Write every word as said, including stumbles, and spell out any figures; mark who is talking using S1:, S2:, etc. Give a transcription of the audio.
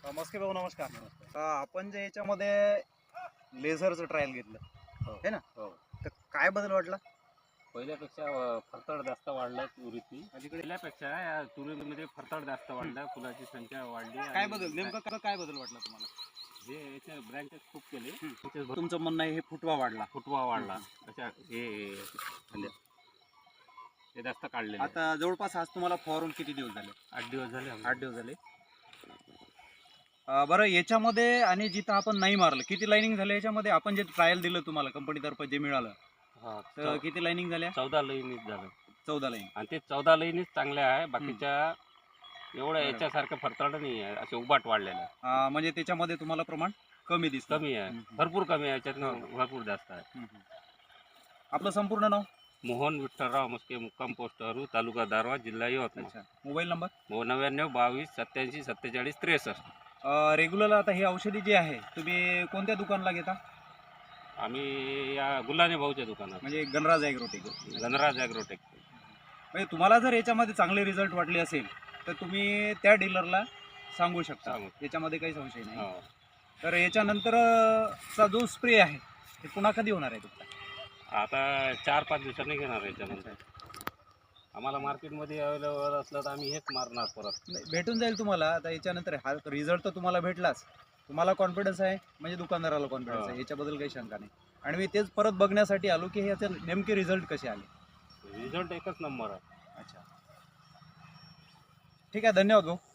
S1: मस्के भाऊ नमस्कार. अ, आपण जे याच्यामध्ये लेझरचं ट्रायल घेतलं
S2: हो.
S1: है ना,
S2: हो.
S1: तर काय बदल वाटला?
S2: पहिल्यापेक्षा अ, फरतड जास्त वाढलं तुरीची. पहिल्यापेक्षा या तुरीमध्ये फरतड जास्त वाढलं, फुलाची संख्या वाढली.
S1: काय
S2: आणि
S1: बदल नेमकं काय काय बदल वाटला तुम्हाला?
S2: जे याचे ब्रँचेस खूप केले, त्याचे भर-
S1: तुमचं म्हणणं आहे हे फुटवा वाढला.
S2: फुटवा वाढला. अशा हे झाले. ते जास्त काढले.
S1: आता जवळपास आज तुम्हाला फवारून किती दिवस झाले?
S2: आठ दिवस झाले आम्हाला.
S1: आठ दिवस झाले. अ, बरं याच्यामध्ये आणि जिथं आपण नाही मारलं किती लाईनिंग झाले याच्यामध्ये? आपण जे ट्रायल दिलं तुम्हाला कंपनीतर्फे जे मिळालं
S2: हा,
S1: तर
S2: चौ-
S1: किती लाईनिंग झाल्या?
S2: चौदा लाईनीच झालं.
S1: चौदा लाईन.
S2: आणि ते चौदा लाईनीच चांगल्या आहे. बाकीच्या एवढ्या
S1: बरोबर.
S2: याच्यासारखं फरतड नाही आहे. असे उबाट वाढलेले आहे.
S1: अ, म्हणजे त्याच्यामध्ये तुम्हाला प्रमाण कमी दिसतं.
S2: कमी आहे.
S1: हम्म.
S2: भरपूर कमी आहे. याच्यात
S1: हो.
S2: भरपूर जास्त आहे.
S1: हम्म, हम्म. आपलं संपूर्ण नाव?
S2: मोहन विठ्ठलराव मस्के, मुक्काम पोस्ट हरू, तालुका दारवा, जिल्हा यवतमाळ.
S1: अच्छा. Mobile number?
S2: नव्याण्णव बावीस सत्याऐंशी सत्तेचाळीस त्रेसष्ट.
S1: रेग्युलर आता ही औषधी जी आहे तुम्ही कोणत्या दुकानला घेता?
S2: आम्ही या गुल्हाने भाऊच्या दुकानात,
S1: म्हणजे गणराज ॲग्रोटेक.
S2: गणराज ॲग्रोटेक.
S1: म्हणजे तुम्हाला जर याच्यामध्ये चांगले रिझल्ट वाटले असेल तर तुम्ही त्या डीलरला सांगू शकता.
S2: सांगू.
S1: याच्यामध्ये काही संशय नाही.
S2: हो.
S1: तर याच्यानंतर अ, चा जो स्प्रे आहे ते पुन्हा कधी होणार आहे तुमचा?
S2: आता चार पाच दिवसांनी घेणार याच्यानंतर. आम्हाला मार्केटमध्ये अवेलेबल असलं तर आम्ही हेच मारणार परत.
S1: नाही, भेटून जाईल तुम्हाला. आता याच्यानंतर हा रिझल्ट तर तुम्हाला भेटलाच, तुम्हाला कॉन्फिडन्स आहे म्हणजे दुकानदाराला कॉन्फिडन्स
S2: हो.
S1: आहे, याच्याबद्दल काही शंका नाही. आणि मी तेच परत बघण्यासाठी आलो की ह्याचे नेमके रिझल्ट कसे आले.
S2: रिझल्ट एकच नंबर आहे.
S1: अच्छा, ठीक आहे, धन्यवाद भाऊ.